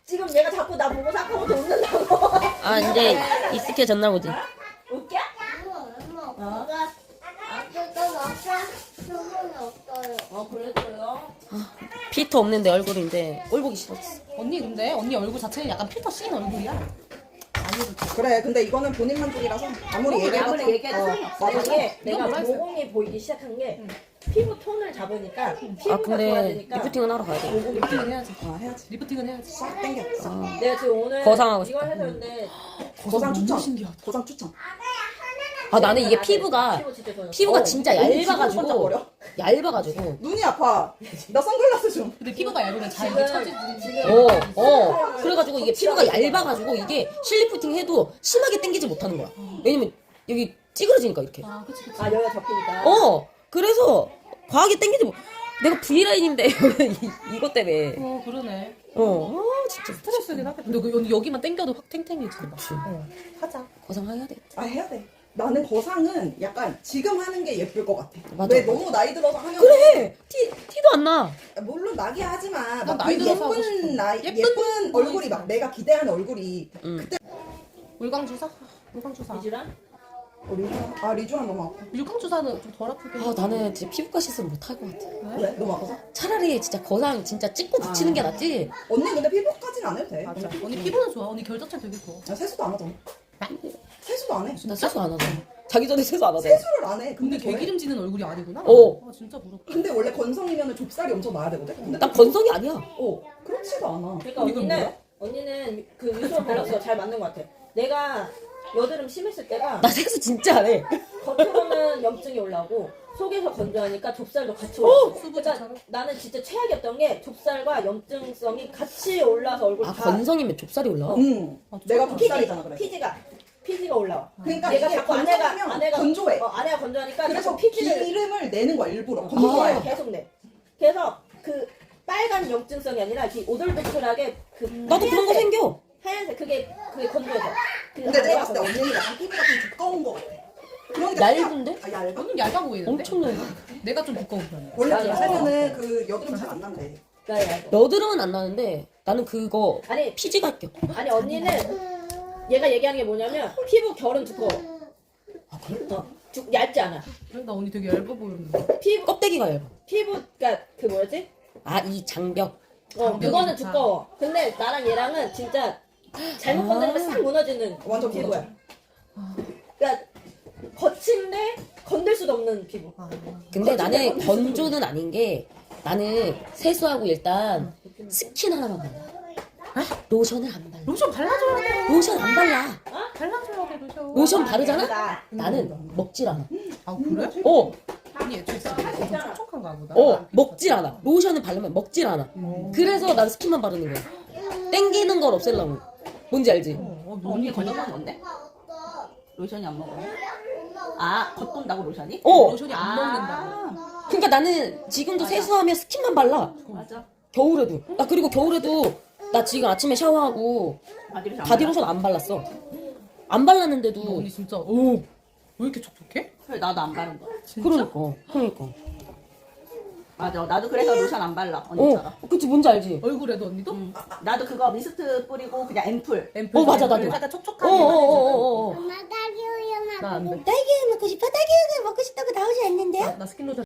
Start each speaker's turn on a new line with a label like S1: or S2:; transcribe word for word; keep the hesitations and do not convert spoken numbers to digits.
S1: 지금 얘가 자꾸 나 보고 사카부터 웃는다고.
S2: 아 이제 익숙해졌나 보지.
S1: 웃겨?
S3: 엄마, 엄마가 아직도 먹자 수분이 없어요.
S1: 어 그랬어요.
S2: 필터 없는데 얼굴인데 꼴 보기 싫었어.
S4: 언니 근데 언니 얼굴 자체는 약간 필터 씌인 얼굴이야.
S5: 그래 근데 이거는 본인 만족이라서 아무리 얘기해도
S1: 아무리 얘기해도 소용이 없어.
S5: 맞아.
S1: 이게 내가
S4: 뭐라 했어요?
S1: 모공이 보이기 시작한 게 피부 톤을 잡으니까 피부가
S2: 아 근데
S1: 좋아지니까
S2: 리프팅은 하러 가야 돼.
S4: 리프팅은 해야지.
S5: 아 해야지
S4: 리프팅은 해야지.
S5: 싹 땡겨 싹.
S1: 내가 지금 오늘
S2: 거상하고
S1: 이걸
S2: 싶다.
S1: 해줬는데
S5: 고상 추천
S4: 신기하다.
S5: 고상 추천
S2: 아 나는 이게 피부가
S1: 피부 진짜 좋아졌어.
S2: 피부가
S5: 어,
S2: 진짜
S5: 눈이
S2: 얇아가지고
S5: 번쩍번쩍거려.
S2: 얇아가지고.
S5: 눈이 아파 나 선글라스 좀
S4: 근데 피부가 얇으면 잘
S1: 지금
S4: 처지지.
S1: 지금
S2: 어, 어. 그래가지고 이게 피부가 얇아가지고 이게 실리프팅 해도 심하게 당기지 못하는 거야. 왜냐면 여기 찌그러지니까 이렇게.
S4: 아 그치 그치.
S1: 아 여기가 접히니까.
S2: 어. 그래서 과하게 당기지 못. 내가 V라인인데 이- 이것 때문에.
S4: 어 그러네.
S2: 어. 아 진짜
S4: 스트레스긴 하겠다. 근데 그 언니 여기만 당겨도 확 탱탱해지.
S2: 그치.
S4: 어. 하자.
S2: 거상해야 돼.
S5: 아 해야 돼 나는 거상은 약간 지금 하는 게 예쁠 것 같아
S2: 맞아,
S5: 왜
S2: 맞아.
S5: 너무 나이 들어서 하면
S2: 그래. 티 티도 안 나.
S5: 물론 나게 하지만
S4: 난
S5: 막
S4: 나이
S5: 그
S4: 들어서 하고 싶어.
S5: 예쁜 나이
S4: 예쁜
S5: 예쁜, 얼굴이 막 내가 기대하는 얼굴이
S2: 응.
S4: 물광 주사? 물광 주사.
S1: 이주란?
S5: 어, 리주한 아 리주한 너무 아파
S4: 물광 주사는 좀 덜 아프게.
S2: 아 나는 진짜 피부과 시술 못 할 것 같아.
S5: 왜? 너무 아파서?
S2: 차라리 진짜 거상 진짜 찍고 붙이는 게 낫지.
S5: 언니 근데 피부까지는 안 해도 돼
S4: 맞아. 언니 피부는 좋아. 언니 결자체 되게 좋아.
S5: 아, 세수도 안 하잖아 세수도 안해
S2: 나 세수 안 하잖아. 자기 전에 세수 안 하잖아.
S5: 세수를 안해
S4: 근데
S5: 근데 왜?
S4: 개기름지는 얼굴이 아니구나.
S2: 어.
S4: 아 진짜 부럽다.
S5: 근데 원래 건성이면 좁쌀이 엄청 나야 되거든? 근데
S2: 난 건성이 아니야.
S5: 어 그렇지도 않아
S1: 그러니까
S4: 이건
S1: 언니는
S4: 뭐야?
S1: 언니는 그 유수원 밸런스가 잘 맞는 것 같아. 내가 여드름 심했을 때가
S2: 나 세수 진짜 안 해.
S1: 겉으로는 염증이 올라오고 속에서 건조하니까 좁쌀도 같이 올라오고. 그러니까
S4: 수부자처럼?
S1: 나는 진짜 최악이었던 게 좁쌀과 염증성이 같이 올라서 얼굴
S2: 아
S1: 다
S2: 건성이면 좁쌀이 올라와?
S5: 응
S4: 아,
S5: 내가
S4: 피지,
S5: 좁쌀이잖아 그래
S1: 피지가 피지가 올라와.
S5: 그러니까
S1: 내가
S5: 이게
S1: 자꾸 아내가
S5: 건성이면
S1: 아내가
S5: 건조해
S1: 어, 아내가 건조하니까
S5: 그래서
S1: 자꾸 피지를
S5: 기름을 내는 거야 일부러
S1: 어,
S5: 건조해
S1: 계속 내. 그래서 그 빨간 염증성이 아니라 이렇게 오돌도돌하게 그
S2: 나도 그런 거
S1: 하얀색,
S2: 생겨.
S1: 하얀색 그게 그게 건조해서. 그
S5: 근데 내가
S1: 아내가
S5: 봤을 때
S1: 건조해.
S5: 언니는 약간 피부가 좀 두꺼운 거 같아 그러니까
S2: 얇은데?
S5: 아 얇아?
S4: 언니 얇아 보이는데?
S2: 엄청 얇아.
S4: 내가 좀 두꺼운 편이야.
S5: 원래
S1: 나 얇아.
S5: 살면은 그 여드름 잘 안 난대
S1: 나 얇아.
S2: 여드름은 안 나는데 나는 그거
S1: 아니
S2: 피지가 껴.
S1: 아니 언니는 얘가 얘기하는 게 뭐냐면 피부 결은 두꺼워.
S2: 아 그래?
S1: 어, 두, 얇지 않아.
S4: 그래 나 언니 되게 얇아 보였는데.
S1: 피부
S2: 껍데기가 얇아.
S1: 피부 그러니까 그 뭐였지?
S2: 아 이 장벽.
S1: 어
S4: 장벽이
S1: 그거는
S4: 좋다.
S1: 두꺼워. 근데 나랑 얘랑은 진짜 잘못
S2: 아.
S1: 건드리면 싹 무너지는
S5: 완전
S1: 피부야.
S5: 무너져.
S1: 그러니까 거친데 건들 수도 없는 피부.
S4: 아,
S2: 근데 나는 건조는 아닌 게 나는 세수하고 일단 스킨 하나만 발라. 로션을 안 발라.
S4: 로션 발라줘야 돼.
S2: 로션 안 발라.
S4: 발라줘야 돼 로션.
S2: 로션 바르잖아?
S1: 나.
S2: 나는 먹질 않아.
S4: 아 그래?
S2: 어,
S4: 언니 애초에 진짜 좀 촉촉한가 보다.
S2: 어, 먹질 않아. 로션을 바르면 먹질 않아.
S4: 어.
S2: 그래서 난 스킨만 바르는 거야. 땡기는 걸 없애려고. 뭔지 알지?
S4: 어, 어,
S1: 언니
S4: 언니
S1: 건조한
S4: 건강
S1: 건데? 로션이 안 먹어. 아 겉돈다고 로션이?
S2: 어.
S4: 로션이 안 먹는다고.
S2: 그러니까 나는 지금도 세수하면 스킨만 발라.
S1: 맞아.
S2: 겨울에도. 나 그리고 겨울에도 나 지금 아침에 샤워하고
S1: 바디로션. 안
S2: 바디로션 안 발랐어. 안 발랐는데도.
S4: 언니 진짜 오. 왜 이렇게 촉촉해?
S1: 그래 나도 안 바른 거.
S2: 그러니까. 그러니까.
S1: 맞아. 나도 그래서 로션 안 발라
S2: 어, 그치 뭔지 알지?
S4: 얼굴에도 언니도?
S1: 응. 나도 그거 미스트 뿌리고 그냥 앰플.
S4: 앰플.
S2: 어, 맞아, 나도.
S4: 약간
S2: 어,
S4: 촉촉한.
S2: 어, 어, 어, 어.
S3: 엄마 딸기 우유
S4: 나안 돼.
S2: 딸기 먹고 싶어? 딸기 먹고 싶다고 나오지 않는데요?
S4: 나 스킨 로션